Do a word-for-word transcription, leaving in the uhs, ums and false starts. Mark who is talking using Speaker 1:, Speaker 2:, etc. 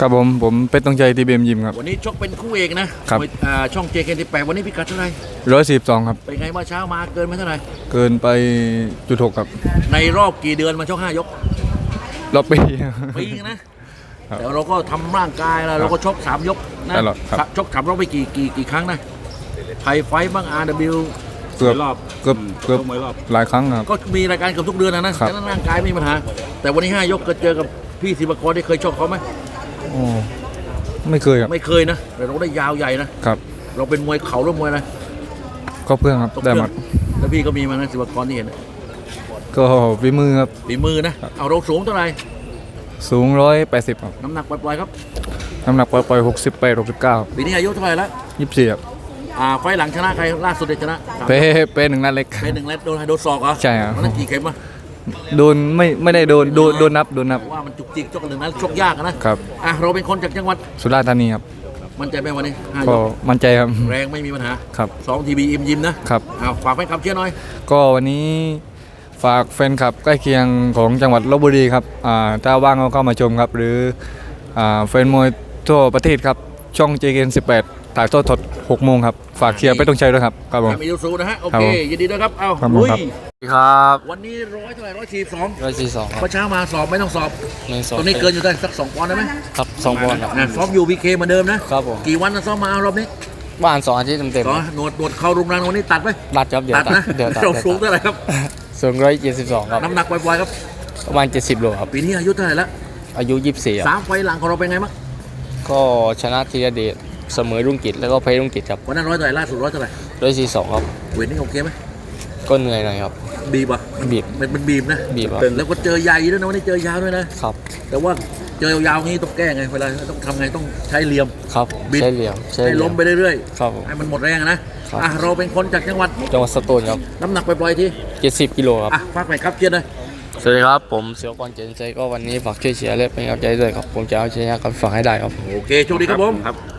Speaker 1: ครับผมผมเป็นตรงใจทีเบียมยิมครับ
Speaker 2: วันนี้ชกเป็นคู่เอกนะครับช่องเจเคนที่แปดวันนี้พิกัดเท่าไหร่
Speaker 1: ร้อยสิบสองครับ
Speaker 2: เป็นไงเมื่อเช้ามาเกินไหมเท่าไหร่
Speaker 1: เกินไปจุดหกครับ
Speaker 2: ในรอบกี่เดือนมาชกห้ายก
Speaker 1: รอบปี
Speaker 2: ปีนะแต่เราก็ทำร่างกายแล้วเราก็ชกสามยกนะชกสามรอบไปกี่กี่กี่ครั้งนะไทยไฟบ้าง อาร์ ดับเบิลยู
Speaker 1: เกือบรอบเกือบเกือบหลายครั้งครับ
Speaker 2: ก็มีรายการเกือบทุกเดือนนะนะแต่ร่างกายไม่มีปัญหาแต่วันนี้ห้ายกก็เจอกับพี่ศิวกรได้เคยชกเขาไหม
Speaker 1: โอ้ไม่เคยครับ
Speaker 2: ไม่เคยนะแต่เราได้ยาวใหญ่นะครับเราเป็นมวยเข่าหรือมวยอะไร
Speaker 1: ก็เพื่อนครับได้มา
Speaker 2: แล้วพี่ก็มีมานะศิวกรที่เห็น
Speaker 1: ก็ฝีมือครับ
Speaker 2: ฝีมือนะเอาเราสูงเท่าไหร่
Speaker 1: สูงร้อยแปดสิบครับ
Speaker 2: น้ำหนักปล่อยๆครับ
Speaker 1: น้ำหนักปล่อยๆหกสิบแปดหกสิบเก้า
Speaker 2: ปีนี้อายุเท่าไหร่แล้ว
Speaker 1: ยี่สิบสี่ครับ
Speaker 2: อ่าไฟหลังชนะใครล่าสุดเลยชนะ
Speaker 1: เป้เป้หนึ่งนัดเล็ก
Speaker 2: เป้หนึ่งนัดโดนโดนศอกเหรอ
Speaker 1: ใช่ครับ
Speaker 2: นั่นกี่เข็มอ่ะ
Speaker 1: โดนไม่ไม่ได้โดนโดนโดนนับโดนนับ
Speaker 2: ว่ามันจุกจิกชกหนึ่งนัดชกยากนะครับอ่ะเราเป็นคนจากจังหวัด
Speaker 1: สุราษฎร์ธานีครับ
Speaker 2: มั่นใจไหมวันนี้
Speaker 1: ก็มั่นใจครับ
Speaker 2: แรงไม่มีปัญหา
Speaker 1: ครับ
Speaker 2: สองทีบีอิมยิมนะครับอ้าวฝากแฟนคลับเชียร์หน่อย
Speaker 1: ก็วันนี้ฝากแฟนคลับใกล้เคียงของจังหวัดลพบุรีครับอ่าถ้าว่างก็เข้ามาชมครับหรืออ่าแฟนมวยทั่วประเทศครับช่อง เจ เค เอ็น สิบแปดถ่ายทอดสดหกโมงครับฝากเชียร์ไปตรงใจด้วยครับครับผม
Speaker 2: มียูซูนะฮะโอเคยินดีด้วยครับเอ้า
Speaker 1: ลุยครับ
Speaker 2: วันนี้ร้อยเท่าไหร่ร้อยสี่สอง
Speaker 3: ร้อยสี่สอง
Speaker 2: เมื่อเช้ามาสอบไม่ต้องสอบ
Speaker 3: ไม่สอบ
Speaker 2: ตรงนี้เกินอยู่ได้สักสองปอนด์ได้ไหม
Speaker 3: ครับสองปอนด์ครับ
Speaker 2: ซ้อมอยู่พีเคเหมือนเดิมนะครับผมกี่วันนะซ้อมมารอบนี้
Speaker 3: บ้านสองอาทิตย์เต็ม
Speaker 2: ๆหนวดหนวดเข้ารุงรังวันนี้ตัดไหม
Speaker 3: ตัดครับเดี๋ยว
Speaker 2: ตัดนะเดี๋ยวเราสูงเท่าไหร่ครับ
Speaker 3: สูงร้อยเจ็ดสิบสองครับ
Speaker 2: น้ำหนักปล่อยๆครับ
Speaker 3: ประมาณเจ็ดสิบโลครับ
Speaker 2: ปีนี้อายุเท่าไหร่แล้ว
Speaker 3: อายุยี่สิบสี่
Speaker 2: สามไฟหลังของเราเป็นไงบ้าง
Speaker 3: ก็ชนะธีรเดชเสมอรุ่งกิจแล้วก็แพ้รุ่งกิจครับ
Speaker 2: วันนั้นร้อยเท่าไหร่ล่าสุดร้อยเท่าไหร่
Speaker 3: ร้อยสี่สองครับ
Speaker 2: เวทนี่โอเคไหม
Speaker 3: ก็เหนื่อยหน่อยครับ
Speaker 2: บีบอ่ะ
Speaker 3: บีบ
Speaker 2: มันเป็นบีบนะ
Speaker 3: บีบ
Speaker 2: แล้วก็เจอใหญ่ด้วยนะวันนี้เจอยาวด้วยนะครับแต่ว่าเจอยาวๆงี้ต้องแก้ไงเวลาต้องทำไงต้องใช้เหลี่ยม
Speaker 3: ครับใช้เหลี่ยม
Speaker 2: ให้ล้มไปเรื่อย
Speaker 3: ๆครับ
Speaker 2: ให้มันหมดแรงนะอ่ะเราเป็นคนจากจังหวัด
Speaker 3: จังหวัดสตูลครับ
Speaker 2: น้ำหนักปล่อยๆที่
Speaker 3: เจ็ดสิบกิโลครับ
Speaker 2: อ่ะฝากไปครับเชียร์เลย
Speaker 3: สวัสดีครับผมเสือกรเจนใจก็วันนี้ฝากช่วยเชียร์และเป็นกำลังใจด้วยครับผมจะเอาชนะกับฝากให้ได้ครับ
Speaker 2: โอเคโชคดีครับผม